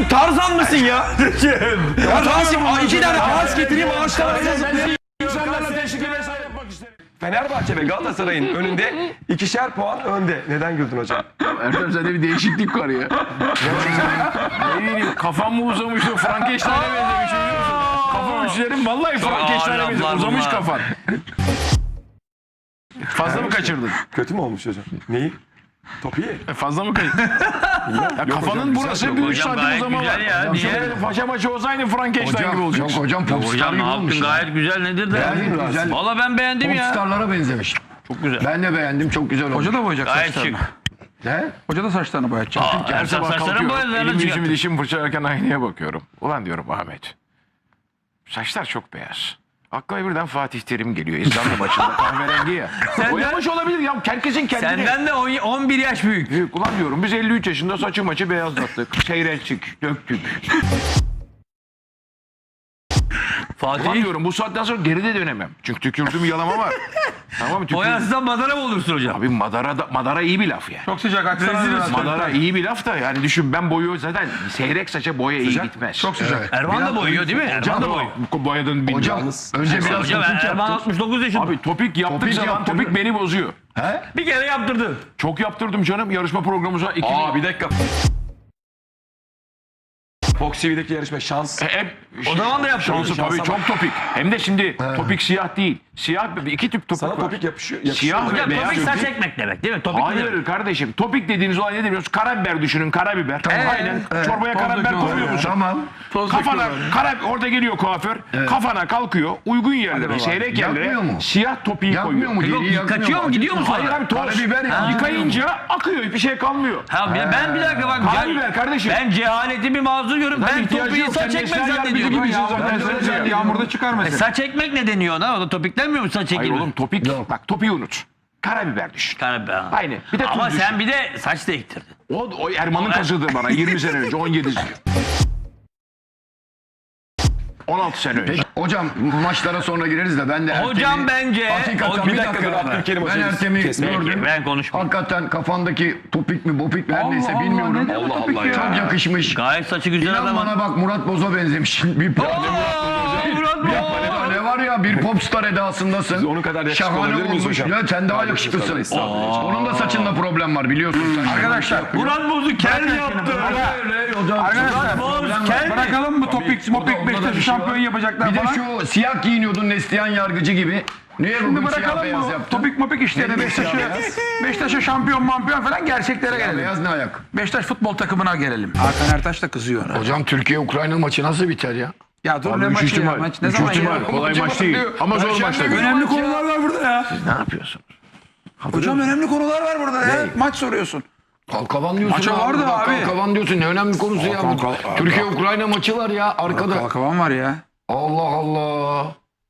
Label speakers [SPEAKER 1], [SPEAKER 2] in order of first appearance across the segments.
[SPEAKER 1] Tarzan mısın ya? Ya Rasim 2 tane ağaç getireyim ağaçtan Fenerbahçe ve Galatasaray'ın önünde 2'şer puan önde. Neden güldün hocam?
[SPEAKER 2] Ertem sende bir değişiklik var ya. Ne bileyim kafam mı uzamıştı? Frankenstein'e benzemiş biliyor musun? Kafam uçlarım vallahi Frankenstein'e benzemiş. Uzamış kafan. Fazla mı kaçırdın?
[SPEAKER 1] Kötü mü olmuş hocam? Neyi? Topu ye.
[SPEAKER 2] Fazla mı kaçırdın? Ya kafanın burası bir 3 santim uzama var.
[SPEAKER 3] Ya, niye?
[SPEAKER 2] Paşa maçı olsaydı Frankenstein gibi olacak.
[SPEAKER 4] Yok hocam popstar
[SPEAKER 3] Hocam
[SPEAKER 4] gibi
[SPEAKER 3] ne
[SPEAKER 4] olmuş.
[SPEAKER 3] yaptın gayet güzel nedir de?
[SPEAKER 4] Beğendim, güzel.
[SPEAKER 3] Valla ben beğendim ya.
[SPEAKER 4] Popstarlara benzemiş.
[SPEAKER 3] Çok güzel.
[SPEAKER 4] Ben de beğendim, çok güzel olmuş.
[SPEAKER 5] Hoca da boyayacak
[SPEAKER 3] Gayet
[SPEAKER 5] saçlarını.
[SPEAKER 3] şık.
[SPEAKER 4] Ne?
[SPEAKER 5] Hoca da saçlarını boyayacak.
[SPEAKER 2] Her sabah
[SPEAKER 3] saçların
[SPEAKER 2] kalkıyorum.
[SPEAKER 3] boyalarını
[SPEAKER 2] Elimi yüzümü
[SPEAKER 3] çıkarttın.
[SPEAKER 2] dişimi fırçalarken aynaya bakıyorum. Ulan diyorum Ahmet. Saçlar çok beyaz. Aklıma birden Fatih Terim geliyor. İzlanda maçında kahverengi ya. Boyamış olabilir ya. Herkesin kendine.
[SPEAKER 3] Senden de 11 yaş büyük.
[SPEAKER 2] Büyük. Ulan diyorum biz 53 yaşında saçı maçı beyazlattık. Seyrettik, döktük. Ulan
[SPEAKER 3] Fatih
[SPEAKER 2] diyorum bu saatten sonra geride dönemem. Çünkü tükürdüğüm yalama var. Tamam mı?
[SPEAKER 3] boyansızdan madara mı olursun hocam?
[SPEAKER 2] Abi madara iyi bir laf ya.
[SPEAKER 5] Çok sıcak Aksaray.
[SPEAKER 2] Madara iyi bir laf da yani düşün ben boyu zaten seyrek saça boya iyi gitmez.
[SPEAKER 5] Çok sıcak.
[SPEAKER 4] Evet.
[SPEAKER 3] Erman da boyuyor değil mi? Erman da boyuyor.
[SPEAKER 2] Boyadın bilmiyorum.
[SPEAKER 4] Hocam, önce biraz
[SPEAKER 3] Hocam
[SPEAKER 4] topuk
[SPEAKER 3] Erman
[SPEAKER 4] yaptır.
[SPEAKER 3] 69 yaşında.
[SPEAKER 2] Abi topik yaptık
[SPEAKER 4] Topik
[SPEAKER 2] zaman
[SPEAKER 4] yaptırdı.
[SPEAKER 2] topik beni bozuyor.
[SPEAKER 4] He?
[SPEAKER 3] Bir kere yaptırdın.
[SPEAKER 2] Çok yaptırdım canım yarışma programımıza.
[SPEAKER 1] Bir dakika. Fox TV'deki yarışma şans.
[SPEAKER 2] Hep
[SPEAKER 3] O zaman da yaptırdın.
[SPEAKER 2] şansı tabii çok topik. Hem de şimdi topik siyah değil. Siyah iki tip topik
[SPEAKER 1] Sana
[SPEAKER 2] var.
[SPEAKER 1] topik yakışıyor.
[SPEAKER 2] Siyah ve
[SPEAKER 3] Hocam
[SPEAKER 2] beyaz.
[SPEAKER 3] topik saç ekmek demek değil mi? Topik ne demek?
[SPEAKER 2] Hayır kardeşim. Topik dediğiniz olay ne biliyorsunuz? Karabiber düşünün karabiber. Aynen. Çorbaya karabiber koyuyor musun?
[SPEAKER 4] Tamam.
[SPEAKER 2] Kafana orada geliyor kuaför. Kafana kalkıyor. Uygun yerlere, seyrek yerlere
[SPEAKER 4] Yakmıyor mu?
[SPEAKER 2] siyah topiği
[SPEAKER 4] Yakmıyor
[SPEAKER 2] koyuyor.
[SPEAKER 4] mu?
[SPEAKER 3] Yok,
[SPEAKER 4] Deliği yakmıyor
[SPEAKER 3] kaçıyor mu gidiyor mu sonra?
[SPEAKER 2] Hayır abi toz.
[SPEAKER 4] Karabiber yakmıyor.
[SPEAKER 2] Yıkayınca akıyor. Bir şey kalmıyor.
[SPEAKER 3] Ha, ben bir dakika bak.
[SPEAKER 2] Karabiber kardeşim.
[SPEAKER 3] Ben cehaletimi mazur görüyorum. Ben
[SPEAKER 2] ihtiyacı
[SPEAKER 3] topiği
[SPEAKER 2] yok.
[SPEAKER 3] saç
[SPEAKER 2] Sen
[SPEAKER 3] ekmek
[SPEAKER 2] Neslihan
[SPEAKER 3] zannediyorum.
[SPEAKER 2] Yarbacı gibisin zaten.
[SPEAKER 5] Sen yağmurda çıkarmasın.
[SPEAKER 3] Saç ekmek ne deniyor ona? O da topiklenmiyor mu saç
[SPEAKER 2] Hayır
[SPEAKER 3] ekmek?
[SPEAKER 2] oğlum topik. Bak topiği unut. Karabiber düşün.
[SPEAKER 3] Karabiber.
[SPEAKER 2] Aynı. Bir de tuz
[SPEAKER 3] Ama
[SPEAKER 2] düşün.
[SPEAKER 3] sen bir de saç da ektirdin.
[SPEAKER 2] O Erman'ın kazıdı bana 20 sene önce 17 sene. 16 sene önce.
[SPEAKER 4] Hocam maçlara sonra gireriz de ben de Ertem'i...
[SPEAKER 3] Hocam bence...
[SPEAKER 4] Hakikaten
[SPEAKER 1] Bir
[SPEAKER 4] bir
[SPEAKER 1] dakika dur
[SPEAKER 4] dakika.
[SPEAKER 1] Abdülkerim
[SPEAKER 4] Ben
[SPEAKER 1] hocam.
[SPEAKER 4] Ertem'i gördüm.
[SPEAKER 3] Ben konuşmayayım.
[SPEAKER 4] Hakikaten kafandaki topik mi bopik mi her neyse
[SPEAKER 5] Allah,
[SPEAKER 4] bilmiyorum.
[SPEAKER 5] ne bu topik ya?
[SPEAKER 4] Çok yakışmış.
[SPEAKER 3] Gayet saçı güzel
[SPEAKER 4] İnan
[SPEAKER 3] adam.
[SPEAKER 4] bana bak Murat Boz'a benzemiş. Bir ne var ya bir popstar edasındasın.
[SPEAKER 1] Biz onun kadar yakışıklı
[SPEAKER 4] Şahane
[SPEAKER 1] olabilir miyiz
[SPEAKER 4] olmuş.
[SPEAKER 1] hocam?
[SPEAKER 4] Ya sen daha yakışıklısın. Onun da saçında problem var biliyorsun sen.
[SPEAKER 5] Arkadaşlar.
[SPEAKER 3] Murat Boz'u kel yaptı.
[SPEAKER 5] Arkadaşlar.
[SPEAKER 3] Boz kel.
[SPEAKER 5] Bırakalım bu topik Beşiktaş'ı şampiyon yapacaklar
[SPEAKER 4] Bir de
[SPEAKER 5] falan.
[SPEAKER 4] şu siyah giyiniyordun Neslihan Yargıcı gibi. Niye
[SPEAKER 5] Şimdi
[SPEAKER 4] bugün siyah
[SPEAKER 5] bırakalım
[SPEAKER 4] beyaz
[SPEAKER 5] bu
[SPEAKER 4] yaptın?
[SPEAKER 5] topik mopik işlerini
[SPEAKER 4] Ne siyah
[SPEAKER 5] Beşiktaş'a şampiyon falan gerçeklere
[SPEAKER 4] Siyah
[SPEAKER 5] gelelim.
[SPEAKER 4] beyaz ne ayak?
[SPEAKER 5] Beşiktaş futbol takımına gelelim. Hakan Ertaş da kızıyor ona.
[SPEAKER 4] Hocam Türkiye-Ukrayna maçı nasıl biter ya?
[SPEAKER 5] Ya dur ne maçı ya? Maç ne zaman ya?
[SPEAKER 2] Kolay maç değil. Ama zor maç tabii.
[SPEAKER 5] Önemli konular var burada ya.
[SPEAKER 2] Ne yapıyorsun?
[SPEAKER 5] Hocam önemli konular var burada ya. Maç soruyorsun.
[SPEAKER 4] Kalkavan diyorsun.
[SPEAKER 5] Maça vardı
[SPEAKER 4] Bak,
[SPEAKER 5] abi.
[SPEAKER 4] Kalkavan diyorsun. Ne önemli konusu ya bu. Türkiye-Ukrayna maçı var ya arkada.
[SPEAKER 5] Kalkavan var ya.
[SPEAKER 4] Allah Allah.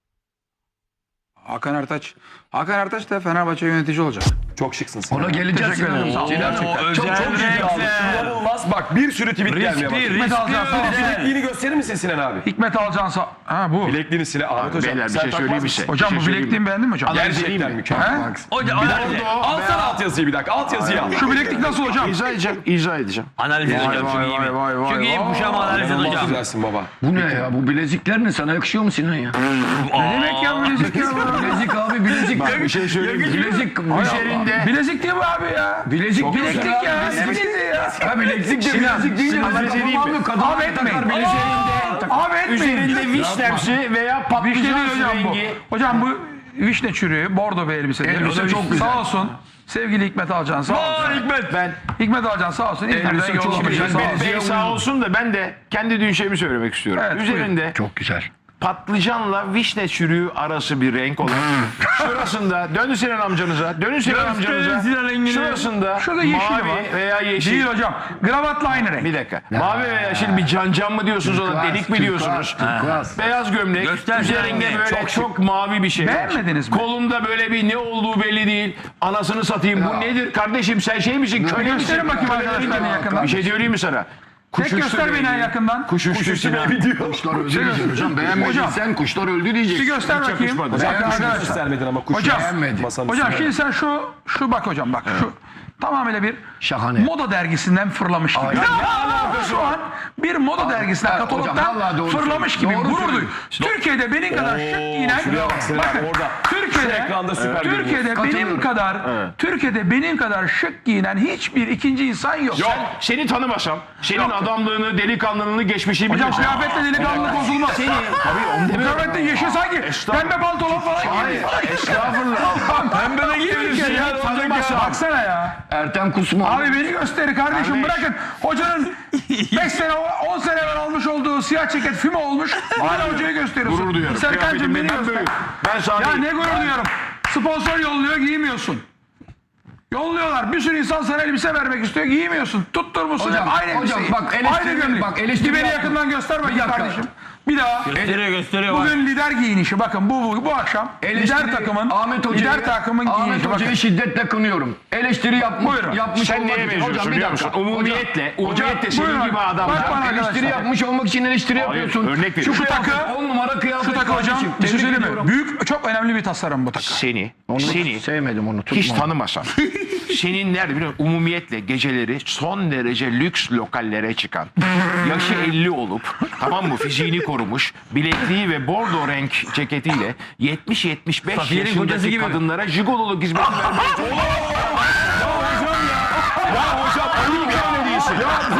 [SPEAKER 5] Hakan Ertaç da Fenerbahçe yönetici olacak.
[SPEAKER 1] Çok şıksın sen.
[SPEAKER 4] Ona geleceğiz.
[SPEAKER 5] Teşekkür ederim.
[SPEAKER 4] Sinan.
[SPEAKER 3] O
[SPEAKER 1] Çok
[SPEAKER 3] özel renkler.
[SPEAKER 1] İnanılmaz. Bak bir sürü tweet gelmeye başladı.
[SPEAKER 5] Hikmet Alcan sağ olsun.
[SPEAKER 1] Bilekliğini gösterir misin Sinan abi?
[SPEAKER 5] Hikmet Alcan sağ... Ha bu.
[SPEAKER 1] Bilekliğini Sinan. Ahmet hocam.
[SPEAKER 2] Beyler bir
[SPEAKER 1] sen
[SPEAKER 2] şey söyleyeyim
[SPEAKER 1] takmaz
[SPEAKER 2] mi
[SPEAKER 1] mısın?
[SPEAKER 2] size?
[SPEAKER 5] Hocam
[SPEAKER 2] Bir
[SPEAKER 5] bu
[SPEAKER 2] şey söyleyeyim
[SPEAKER 5] bilekliğimi beğendin mi hocam?
[SPEAKER 1] Gerçekten mükemmel.
[SPEAKER 5] He?
[SPEAKER 3] Hocam
[SPEAKER 1] Alsana altyazıyı bir dakika. Altyazıyı al.
[SPEAKER 5] Şu bileklik nasıl hocam?
[SPEAKER 2] İzah edeceğim.
[SPEAKER 3] analiz edeceğim. Çok iyi mi? Çok iyi bu şam analiz
[SPEAKER 1] İnanılmaz
[SPEAKER 3] hocam.
[SPEAKER 1] güzelsin baba.
[SPEAKER 4] Bu ne ya? Bu bilezikler ne? Sana yakışıyor mu Sinan ya?
[SPEAKER 5] Ne demek ya bilezik ya?
[SPEAKER 4] Bilezik abi bilezik.
[SPEAKER 2] Bir şey söyleyeyim.
[SPEAKER 4] Bilezik üzerinde.
[SPEAKER 5] Bilezik değil mi abi ya?
[SPEAKER 4] Bilezik
[SPEAKER 5] Bileklik ya. Ne bileziği ya?
[SPEAKER 4] Ha bileklik de bilezik değil.
[SPEAKER 2] Sinan, bir şey diyeyim mi?
[SPEAKER 5] Abi etmeyin. Abi etmeyin.
[SPEAKER 2] Üzerinde vişnemsi veya
[SPEAKER 5] Vişne
[SPEAKER 2] patlıcan
[SPEAKER 5] değil hocam bu.
[SPEAKER 2] rengi.
[SPEAKER 5] Hocam bu vişne çürüğü, bordo bir elbise.
[SPEAKER 4] Elbise çok güzel.
[SPEAKER 5] Sağ olsun. Sevgili Hikmet Alcan sağ olsun. Hikmet Alcan sağ olsun. İzmir'den
[SPEAKER 4] Elbise çok
[SPEAKER 5] yollamış.
[SPEAKER 4] güzel.
[SPEAKER 5] Sağ
[SPEAKER 2] Ben
[SPEAKER 5] olsun.
[SPEAKER 2] Bey sağ olsun da ben de kendi düşemi söylemek istiyorum.
[SPEAKER 5] Evet,
[SPEAKER 2] Üzerinde
[SPEAKER 4] Çok güzel.
[SPEAKER 2] patlıcanla vişne çürüğü arası bir renk olan. Şurasında dönün Sinan amcanıza. Dönün Sinan amcanıza.
[SPEAKER 3] Sinan rengini.
[SPEAKER 2] Şurasında
[SPEAKER 5] Şurada yeşili
[SPEAKER 2] mavi
[SPEAKER 5] var.
[SPEAKER 2] veya yeşil.
[SPEAKER 5] Değil hocam. Gravatla aynı renk.
[SPEAKER 2] Bir dakika. Mavi veya yeşil bir can mı diyorsunuz ona? Delik mi diyorsunuz?
[SPEAKER 4] Turkuaz.
[SPEAKER 2] Beyaz gömlek.
[SPEAKER 3] Göster
[SPEAKER 2] Üzerinde
[SPEAKER 3] Sinan
[SPEAKER 2] böyle çok mavi bir şey. var.
[SPEAKER 5] Beğenmediniz mi?
[SPEAKER 2] Kolunda böyle bir ne olduğu belli değil. Anasını satayım. Bu nedir kardeşim? Sen şey misin? Köle misin?
[SPEAKER 5] Gösterin bakayım arkadaşlar yakından.
[SPEAKER 2] Bir şey söyleyeyim mi sana?
[SPEAKER 5] Tek göster beni yakından.
[SPEAKER 2] Kuş uçtu Sinan.
[SPEAKER 4] Kuşlar öldü diyeceksin hocam. Beğenmediysen kuşlar öldü
[SPEAKER 5] Bir
[SPEAKER 4] diyeceksin.
[SPEAKER 5] göster bakayım. Bakın arkadaşlar.
[SPEAKER 1] Göstermedin ama kuş.
[SPEAKER 5] Hocam,
[SPEAKER 1] Masanın
[SPEAKER 5] Hocam
[SPEAKER 1] üstüne.
[SPEAKER 5] şimdi sen şu bak hocam bak şu tamamıyla bir
[SPEAKER 4] Şahane.
[SPEAKER 5] moda dergisinden fırlamış gibi. Şu an bir moda dergisinden,
[SPEAKER 4] hocam,
[SPEAKER 5] katalogdan
[SPEAKER 4] vallahi doğru
[SPEAKER 5] fırlamış gibi
[SPEAKER 4] söylüyorsun.
[SPEAKER 5] gurur
[SPEAKER 4] Doğru
[SPEAKER 5] duyuyor. Türkiye'de benim kadar şık giyinen, bakın
[SPEAKER 1] Şu ekranda süper
[SPEAKER 5] Türkiye'de benim
[SPEAKER 4] Katılıyorum.
[SPEAKER 5] kadar Türkiye'de benim kadar şık giyinen hiçbir ikinci insan yok.
[SPEAKER 2] Seni tanımasam, senin adamlığını, delikanlılığını, geçmişini
[SPEAKER 5] Hocam
[SPEAKER 2] bilmesem.
[SPEAKER 5] kıyafetle delikanlılık bozulmaz. Bu kıyafetle yeşil sanki pembe pantolon falan giyiyor.
[SPEAKER 2] Estağfurullah.
[SPEAKER 5] Pembe de giyiyor ya.
[SPEAKER 2] Tanımasam.
[SPEAKER 5] Baksana ya.
[SPEAKER 4] Ertem Kusma.
[SPEAKER 5] Abi beni gösteri kardeşim, bırakın. Hocanın 5 sene 10 sene evvel almış olduğu siyah ceket füme olmuş. Hala hocayı gösteriyorsun.
[SPEAKER 2] Gurur duyuyorum.
[SPEAKER 5] Serkan'cığım beni
[SPEAKER 2] Kıyafetim
[SPEAKER 5] göster.
[SPEAKER 2] büyük. Ben sana
[SPEAKER 5] Ya ne gurur duyuyorum. Sponsor yolluyor, giymiyorsun. Yolluyorlar. Bir sürü insan sana elbise vermek istiyor, giymiyorsun. Tutturmuşsun
[SPEAKER 4] Hocam,
[SPEAKER 5] hep aynı
[SPEAKER 4] hocam,
[SPEAKER 5] elbiseyi.
[SPEAKER 4] bak eleştiri-
[SPEAKER 5] Aynı gömlek.
[SPEAKER 4] bak eleştiri
[SPEAKER 5] Beni
[SPEAKER 4] yapma.
[SPEAKER 5] yakından göster bakayım
[SPEAKER 4] dakika.
[SPEAKER 5] kardeşim. Bir daha.
[SPEAKER 3] Gösteriyor bak.
[SPEAKER 5] Bugün lider giyinişi. Bakın bu akşam lider takımın lider takımın giyinişi.
[SPEAKER 4] Hoca'yı
[SPEAKER 5] Bakın.
[SPEAKER 4] şiddetle kınıyorum. Eleştiri
[SPEAKER 5] Buyurun.
[SPEAKER 4] yapmış
[SPEAKER 2] Sen
[SPEAKER 4] olmak
[SPEAKER 2] neye
[SPEAKER 4] için.
[SPEAKER 2] benziyorsun
[SPEAKER 4] Hocam bir
[SPEAKER 2] biliyor
[SPEAKER 4] dakika.
[SPEAKER 2] musun? Umumiyetle
[SPEAKER 5] buyurun.
[SPEAKER 2] senin gibi adam.
[SPEAKER 5] Bak bana
[SPEAKER 4] Eleştiri
[SPEAKER 5] arkadaşlar.
[SPEAKER 4] yapmış olmak için eleştiri yapıyorsun.
[SPEAKER 2] örnek veriyorum.
[SPEAKER 4] Şu
[SPEAKER 5] takı-
[SPEAKER 4] kıyafet 10 numara kıyafet.
[SPEAKER 5] Şu takı hocam
[SPEAKER 4] kardeşim.
[SPEAKER 5] bir şey
[SPEAKER 4] Tebrik
[SPEAKER 5] söyleyeyim mi?
[SPEAKER 4] ediyorum.
[SPEAKER 5] Büyük, çok önemli bir tasarım bu takı.
[SPEAKER 2] Seni
[SPEAKER 4] Sevmedim onu.
[SPEAKER 2] hiç
[SPEAKER 4] tutma.
[SPEAKER 2] tanımasam. Senin nerede biliyor musun? Umumiyetle geceleri son derece lüks lokallere çıkan, yaşı 50 olup, tamam mı, fiziğini korumuş, bilekliği ve bordo renk ceketiyle 70-75
[SPEAKER 3] Safiye'nin kocası
[SPEAKER 2] yaşındaki
[SPEAKER 3] gibi mi?
[SPEAKER 2] kadınlara jigololuk hizmeti vermeye Ya hocam tabii ki öyle değilsin.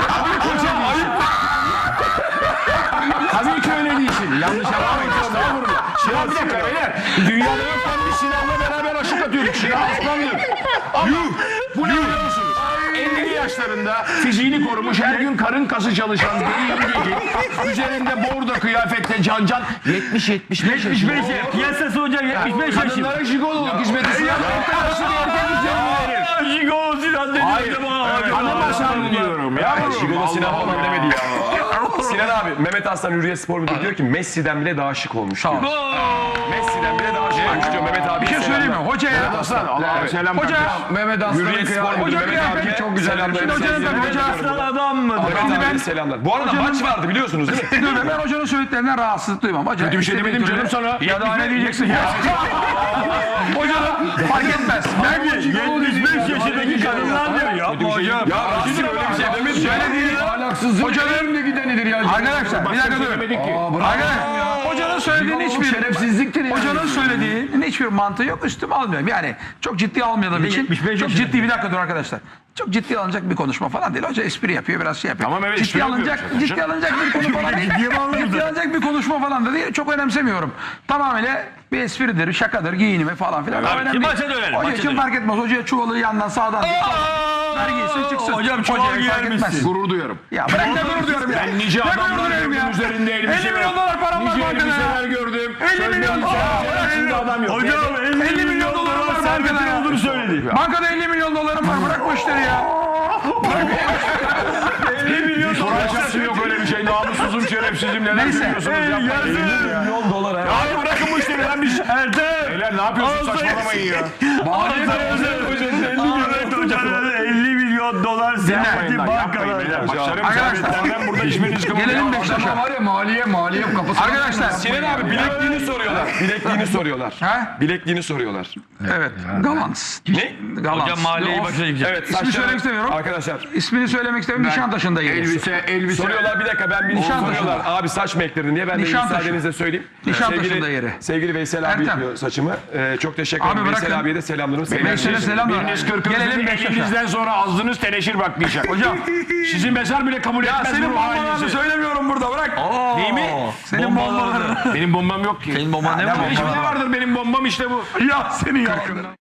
[SPEAKER 2] Tabii ki öyle değilsin. Yanlış anlamayın. Estağfurullah. Sinan bir dakika beyler. Dünyada yokken biz Sinan'la beraber aşık atıyorduk. Sinan aslandır. Ama bu ne biliyor musunuz? 50'li yaşlarında fiziğini korumuş, her gün karın kası çalışan bir yengeci, üzerinde bordo kıyafetle can 70-75 yaşında.
[SPEAKER 3] Piyasası hocam 75 yaşında.
[SPEAKER 2] Kadınlara jigololuk hizmeti sunan nasıl bir erkek üzerine verir?
[SPEAKER 3] Jigolo Sinan dedi.
[SPEAKER 2] Hayır. Tanımasam diyorum.
[SPEAKER 1] Jigolo Sinan falan demedi ya. Sinan abi, Mehmet Aslan Hürriyet Spor Müdürü diyor ki Messi'den bile daha şık olmuş diyor. Messi'den bile daha şık olmuş diyor Mehmet abi.
[SPEAKER 5] Bir şey söyleyeyim mi? Hocaya.
[SPEAKER 2] Aslan Allah'a selam
[SPEAKER 5] Hoca.
[SPEAKER 4] Mehmet Aslan'ın
[SPEAKER 1] Hürriyet Spor
[SPEAKER 4] kıyafeti.
[SPEAKER 1] Müdürü
[SPEAKER 5] Hoca
[SPEAKER 1] Mehmet
[SPEAKER 5] kıyafeti
[SPEAKER 1] abiye
[SPEAKER 5] çok güzel.
[SPEAKER 1] selamlar.
[SPEAKER 5] Şimdi hocanın tabii hoca.
[SPEAKER 3] Aslan adam mı?
[SPEAKER 1] Mehmet
[SPEAKER 5] ben-
[SPEAKER 1] abiye selamlar. Bu arada
[SPEAKER 5] Hocanın-
[SPEAKER 1] maç vardı biliyorsunuz değil mi?
[SPEAKER 5] Dur be, ben hocanın söylediklerinden rahatsızlık duymam. Hoca,
[SPEAKER 2] Kötü bir şey demedim canım sana.
[SPEAKER 5] Ya daha ne diyeceksin ya? Hocanın fark etmez. Ben
[SPEAKER 3] 75 yaşındaki kadınlar diyor. Yapma hocam.
[SPEAKER 1] Ya Rasim öyle bir şey demedi.
[SPEAKER 5] söylediği
[SPEAKER 4] Ahlaksızlığın
[SPEAKER 5] Hocanın-
[SPEAKER 4] önünde gidenidir ya.
[SPEAKER 5] arkadaşlar bir dakika dur.
[SPEAKER 2] Söylemedik ki.
[SPEAKER 5] Arkadaşlar hocanın söylediğinin
[SPEAKER 4] Jigololuk
[SPEAKER 5] hiçbir
[SPEAKER 4] şerefsizliktir ya.
[SPEAKER 5] hocanın söylediğinin hiçbir mantığı yok. Üstüme almıyorum. Yani çok ciddi almadığım için
[SPEAKER 3] 75
[SPEAKER 5] çok
[SPEAKER 3] yaşında.
[SPEAKER 5] ciddi bir dakika dur arkadaşlar. Çok ciddi alınacak bir konuşma falan değil. Hoca espri yapıyor, biraz şey yapıyor.
[SPEAKER 2] Tamam, evet, espri
[SPEAKER 5] ciddi alınacak
[SPEAKER 2] yapıyorum zaten.
[SPEAKER 5] ciddi alınacak bir konu falan değil. Ciddi alınacak bir konuşma falan da değil. Çok önemsemiyorum. Tamamıyla bir espridir, şakadır, giyinimi falan filan.
[SPEAKER 3] Evet,
[SPEAKER 5] Önemli
[SPEAKER 3] şimdi
[SPEAKER 5] değil.
[SPEAKER 3] maça dönelim,
[SPEAKER 5] Hoca
[SPEAKER 3] maça
[SPEAKER 5] için
[SPEAKER 3] dönelim.
[SPEAKER 5] fark etmez. Hocaya çuvalı yandan sağdan ver giysin çıksın.
[SPEAKER 3] Hocam çuval
[SPEAKER 5] Hocaya
[SPEAKER 3] giyer
[SPEAKER 5] fark etmez.
[SPEAKER 3] misin?
[SPEAKER 2] Gurur duyuyorum.
[SPEAKER 5] Ya bırak ne gurur diyorum ya.
[SPEAKER 2] Ben nice
[SPEAKER 5] Ne gurur
[SPEAKER 2] adamlar
[SPEAKER 5] diyorum
[SPEAKER 2] gördüm
[SPEAKER 5] ya.
[SPEAKER 2] üzerinde
[SPEAKER 5] 50 milyon dolar param var
[SPEAKER 2] Nice
[SPEAKER 5] bankada
[SPEAKER 2] elbiseler
[SPEAKER 5] ya.
[SPEAKER 2] gördüm.
[SPEAKER 5] 50 milyon dolar.
[SPEAKER 2] Şimdi adam yok.
[SPEAKER 3] Hocam
[SPEAKER 5] 50 milyon dolarım var bankada ya.
[SPEAKER 3] olduğunu söyledi.
[SPEAKER 5] Bankada 50 milyon dolarım var. Bırak bu işleri ya.
[SPEAKER 3] 50 milyon
[SPEAKER 2] Soracaksın yok öyle bir şey. Namussuzum, şerefsizim. Neler
[SPEAKER 5] Neyse.
[SPEAKER 2] söylüyorsunuz? Yapmayın.
[SPEAKER 1] Milyon dolar ha.
[SPEAKER 2] Hadi bırakın bu işleri lan biz.
[SPEAKER 3] Ertem.
[SPEAKER 2] Beyler ne yapıyorsun? Saçmalamayın ya.
[SPEAKER 3] Evet hocanın 50 milyon dolar serveti bankada.
[SPEAKER 2] Beyler başlarım.
[SPEAKER 5] Arkadaşlar.
[SPEAKER 2] Ben burada işimi rızkımı
[SPEAKER 5] Gelelim
[SPEAKER 2] yapmam.
[SPEAKER 5] Beşiktaş'a.
[SPEAKER 4] Ama var ya maliye kapısı.
[SPEAKER 5] Arkadaşlar.
[SPEAKER 1] Sinan abi bilekliğini soruyorlar. Bilekliğini soruyorlar.
[SPEAKER 5] Ha?
[SPEAKER 1] Bilekliğini soruyorlar.
[SPEAKER 5] Evet. Galans.
[SPEAKER 1] Ne?
[SPEAKER 5] Galans.
[SPEAKER 3] Hocam maliyeyi
[SPEAKER 5] Of.
[SPEAKER 3] başına gidecek.
[SPEAKER 1] Evet.
[SPEAKER 5] İsmini
[SPEAKER 1] saçları-
[SPEAKER 5] söylemek istemiyorum.
[SPEAKER 1] Arkadaşlar
[SPEAKER 5] İsmini söylemek istemiyorum. Nişantaşı'nda geliyor.
[SPEAKER 4] Elbise.
[SPEAKER 1] soruyorlar bir dakika ben bir
[SPEAKER 5] Nişantaşı'nda.
[SPEAKER 1] soruyorlar. Abi saç mı ektirdin diye ben de
[SPEAKER 5] Nişantaşı.
[SPEAKER 1] müsaadenizle söyleyeyim.
[SPEAKER 5] Nişantaşı'nda yeri.
[SPEAKER 1] Sevgili Veysel abi
[SPEAKER 5] Ertem.
[SPEAKER 1] yapıyor saçımı. Çok teşekkür
[SPEAKER 5] Abi
[SPEAKER 1] ederim. Veysel
[SPEAKER 5] bırakın.
[SPEAKER 1] abiye de selamlarımı.
[SPEAKER 5] Veysel'e selam ver.
[SPEAKER 2] Biriniz kırkınızı
[SPEAKER 5] Gelelim Beşiktaş'a.
[SPEAKER 2] elinizden sonra ağzınız teneşir bakmayacak.
[SPEAKER 5] Hocam.
[SPEAKER 2] Sizin mezar bile kabul
[SPEAKER 5] Ya
[SPEAKER 2] etmez
[SPEAKER 5] senin
[SPEAKER 2] bu
[SPEAKER 5] bombalarını
[SPEAKER 2] halinizi.
[SPEAKER 5] söylemiyorum burada, bırak.
[SPEAKER 2] Değil mi?
[SPEAKER 5] Senin bombalarını.
[SPEAKER 2] Benim bombam yok ki.
[SPEAKER 3] Senin bomban ne var?
[SPEAKER 2] Hiçbir ne vardır benim bombam işte bu.
[SPEAKER 5] Ya senin ya.